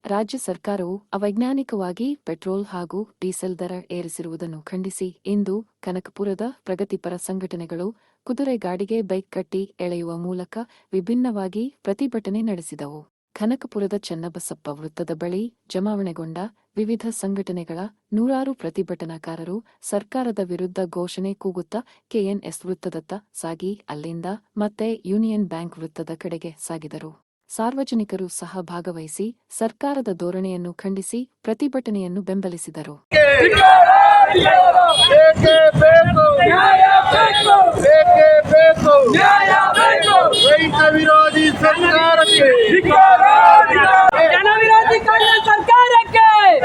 ರಾಜ್ಯ ಸರ್ಕಾರವು ಅವೈಜ್ಞಾನಿಕವಾಗಿ ಪೆಟ್ರೋಲ್ ಹಾಗೂ ಡೀಸೆಲ್ ದರ ಏರಿಸಿರುವುದನ್ನು ಖಂಡಿಸಿ ಇಂದು ಕನಕಪುರದ ಪ್ರಗತಿಪರ ಸಂಘಟನೆಗಳು ಕುದುರೆ ಗಾಡಿಗೆ ಬೈಕ್ ಕಟ್ಟಿ ಎಳೆಯುವ ಮೂಲಕ ವಿಭಿನ್ನವಾಗಿ ಪ್ರತಿಭಟನೆ ನಡೆಸಿದವು. ಕನಕಪುರದ ಚನ್ನಬಸಪ್ಪ ವೃತ್ತದ ಬಳಿ ಜಮಾವಣೆಗೊಂಡ ವಿವಿಧ ಸಂಘಟನೆಗಳ ನೂರಾರು ಪ್ರತಿಭಟನಾಕಾರರು ಸರ್ಕಾರದ ವಿರುದ್ಧ ಘೋಷಣೆ ಕೂಗುತ್ತಾ ಕೆಎನ್ಎಸ್ ವೃತ್ತದತ್ತ ಸಾಗಿ ಅಲ್ಲಿಂದ ಮತ್ತೆ ಯೂನಿಯನ್ ಬ್ಯಾಂಕ್ ವೃತ್ತದ ಕಡೆಗೆ ಸಾಗಿದರು. ಸಾರ್ವಜನಿಕರು ಸಹ ಭಾಗವಹಿಸಿ ಸರ್ಕಾರದ ಧೋರಣೆಯನ್ನು ಖಂಡಿಸಿ ಪ್ರತಿಭಟನೆಯನ್ನು ಬೆಂಬಲಿಸಿದರು. ರೈತ ವಿರೋಧಿ ಸರ್ಕಾರಕ್ಕೆ, ಜನ ವಿರೋಧಿ ಸರ್ಕಾರಕ್ಕೆ,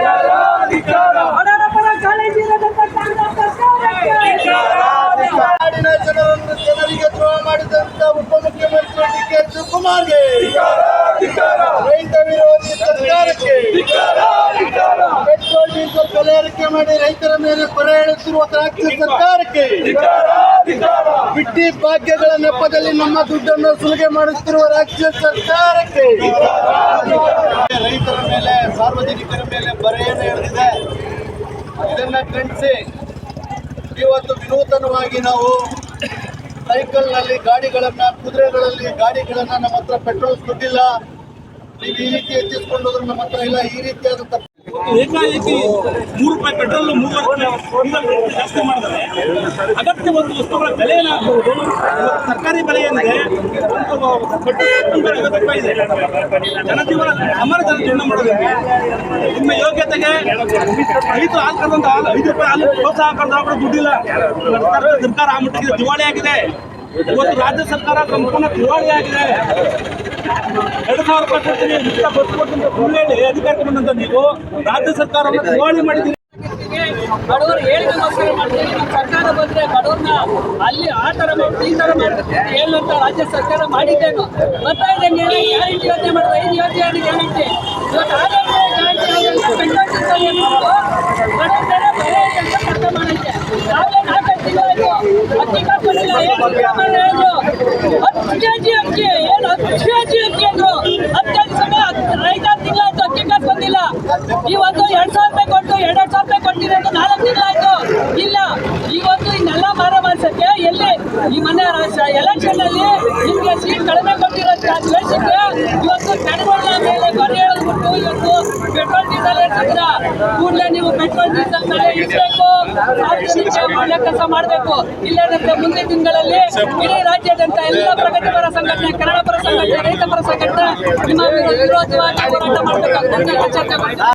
ನಾಡಿನ ಜನರನ್ನು ಜನರಿಗೆ ದ್ರೋಹ ಮಾಡಿದಂತ ಉಪಮುಖ್ಯಮಂತ್ರಿ ಡಿ.ಕೆ. ಶಿವಕುಮಾರ್ಗೆ, ರೈತ ವಿರೋಧಿ ಸರ್ಕಾರಕ್ಕೆ, ಪೆಟ್ರೋಲ್ ಡೀಸೆಲ್ ಬೆಲೆ ಏರಿಕೆ ಮಾಡಿ ರೈತರ ಮೇಲೆ ಹೊರೆ ಎಳೆಸಿರುವ ರಾಜ್ಯ ಸರ್ಕಾರಕ್ಕೆ, ಬಿಟ್ಟಿ ಭಾಗ್ಯಗಳ ನೆಪದಲ್ಲಿ ನಮ್ಮ ದುಡ್ಡನ್ನು ಸುಲಿಗೆ ಮಾಡುತ್ತಿರುವ ರಾಜ್ಯ ಸರ್ಕಾರಕ್ಕೆ, ರೈತರ ಮೇಲೆ ಸಾರ್ವಜನಿಕರ ಮೇಲೆ ಬರೆಯನ್ನು ಎಳೆದಿದೆ. ಇದನ್ನ ಖಂಡಿಸಿ ಇವತ್ತು ವಿನೂತನವಾಗಿ ನಾವು ಸೈಕಲ್ನಲ್ಲಿ ಗಾಡಿಗಳನ್ನ, ಕುದುರೆಗಳಲ್ಲಿ ಗಾಡಿಗಳನ್ನ, ನಮ್ಮ ಹತ್ರ ಪೆಟ್ರೋಲ್ ದುಡ್ಡಿಲ್ಲ, ನೀವು ಈ ರೀತಿ ಹೆಚ್ಚಿಸ್ಕೊಂಡು ಹೋದ್ರೆ ನಮ್ಮ ಹತ್ರ ಇಲ್ಲ, ಈ ರೀತಿಯಾದಂತ ಏಕಾಏಕಿ ₹3 ಪೆಟ್ರೋಲ್ 3 ಜಾಸ್ತಿ ಮಾಡಿದರೆ ಅಗತ್ಯ ಒಂದು ವಸ್ತುಗಳ ಬೆಲೆ ಏನಾಗಬಹುದು. ಸರ್ಕಾರಿ ಬೆಲೆ ಏನಿದೆ ₹50 ಇದೆ. ಜನಜೀವನ ಅಮರ ಜನಜೀವನ ಮಾಡೋದಕ್ಕೆ ನಿಮ್ಮ ಯೋಗ್ಯತೆಗೆ ರೈತರು ಹಾಲು ಕರೆದಂತ ₹5 ಹಾಲು ಪ್ರೋತ್ಸಾಹ ಕರೆದ ದುಡ್ಡಿಲ್ಲ. ಸರ್ಕಾರ ಆ ಮಟ್ಟಿಗೆ ದಿವಾಳಿ ಆಗಿದೆ. ಇವತ್ತು ರಾಜ್ಯ ಸರ್ಕಾರ ಸಂಪೂರ್ಣ ದಿವಾಳಿ ಆಗಿದೆ. 2,000 ರೂಪಾಯಿ ಕೊಡ್ತೀನಿ, ಮುಕ್ತ ಬಸ್ ಕೊಡ್ತೀನಿ ಹೇಳಿ ಅಧಿಕಾರಕ್ಕೆ ಬಂದಂತ ನೀವು ರಾಜ್ಯ ಸರ್ಕಾರವನ್ನು ದಿವಾಳಿ ಮಾಡಿದ್ದೀರಿ. ಬಡವರು ಹೇಳಿಕೆಗೋಸ್ಕರ ಮಾಡ್ತೀವಿ. ನಮ್ಮ ಸರ್ಕಾರ ಬಂದ್ರೆ ಬಡವ್ರನ್ನ ಅಲ್ಲಿ ಆ ತರ ಮಾಡಿ ಈ ತರ ಮಾಡ್ತೀವಿ ಹೇಳುವಂತ ರಾಜ್ಯ ಸರ್ಕಾರ ಮಾಡಿದ್ದೇನು ಬರ್ತಾ ಇದೆ. ಗ್ಯಾರಂಟಿ ಯೋಜನೆ ಮಾಡಿದ್ರೆ 5 ಯೋಜನೆ ಗ್ಯಾರಂಟಿ ಇವತ್ತು ಆರೋಗ್ಯ ಗ್ಯಾರಂಟಿ ಬಡವರ ಬೆಲೆ ಅಂತ ಅರ್ಥ ಮಾಡಕ್ಕೆ ನಾವೇ 4 ತಿಂಗಳಾಯ್ತು ಅಕ್ಕಿ ಕಾಕೊಂಡಿಲ್ಲ. 10 ಕೆಜಿ ಅಕ್ಕಿ ಏನು 10 ಕೆಜಿ ಅಕ್ಕಿ ಅಂದ್ರು 15 ಸಲ 5 ತಿಂಗಳಾಯ್ತು ಅಕ್ಕಿ ಕಾಸು ಬಂದಿಲ್ಲ. ಇವತ್ತು 2,000 ರೂಪಾಯಿ ಕೊಟ್ಟು 2,000 ರೂಪಾಯಿ ಕೊಟ್ಟಿರೋದು 4 ತಿಂಗಳಾಯ್ತು ಇಲ್ಲ. ಇವತ್ತು ಇನ್ನೆಲ್ಲ ಮಾರ ಮಾಡ್ಸಕ್ಕೆ ಎಲ್ಲಿ ಈ ಮನೆ ಎಲೆಕ್ಷನ್ ಅಲ್ಲಿ ನಿಮ್ಗೆ ಸೀಟ್ ಕಡಿಮೆ ಕೊಟ್ಟಿರೋ ದ್ವೇಷಕ್ಕೆ ಇವತ್ತು ಜನಗಳ ಮೇಲೆ ಬರೆ ಎಳೆದ್ಬಿಟ್ಟು ಇವತ್ತು ಪೆಟ್ರೋಲ್ ಡೀಸೆಲ್ ಏರ್ಸಿದ್ರ ಕೂಡಲೇ ನೀವು ಪೆಟ್ರೋಲ್ ಡೀಸೆಲ್ ಮೇಲೆ ಇಡಬೇಕು, ಸಾರ್ವಜನಿಕ ಒಳ್ಳೆ ಕೆಲಸ ಮಾಡಬೇಕು. ಇಲ್ಲೇನಂತೆ ಮುಂದಿನ ದಿನಗಳಲ್ಲಿ ಇಡೀ ರಾಜ್ಯಾದ್ಯಂತ ಎಲ್ಲ ಪ್ರಗತಿಪರ ಸಂಘಟನೆ, ಕನ್ನಡ ಪರ ಸಂಘಟನೆ, ರೈತ ಪರ ಸಂಘಟನೆ ನಿಮ್ಮ ವಿರೋಧವಾಗಿ ಹೋರಾಟ ಮಾಡಬೇಕಾಗುತ್ತೆ ಚರ್ಚೆ ಮಾಡಿ.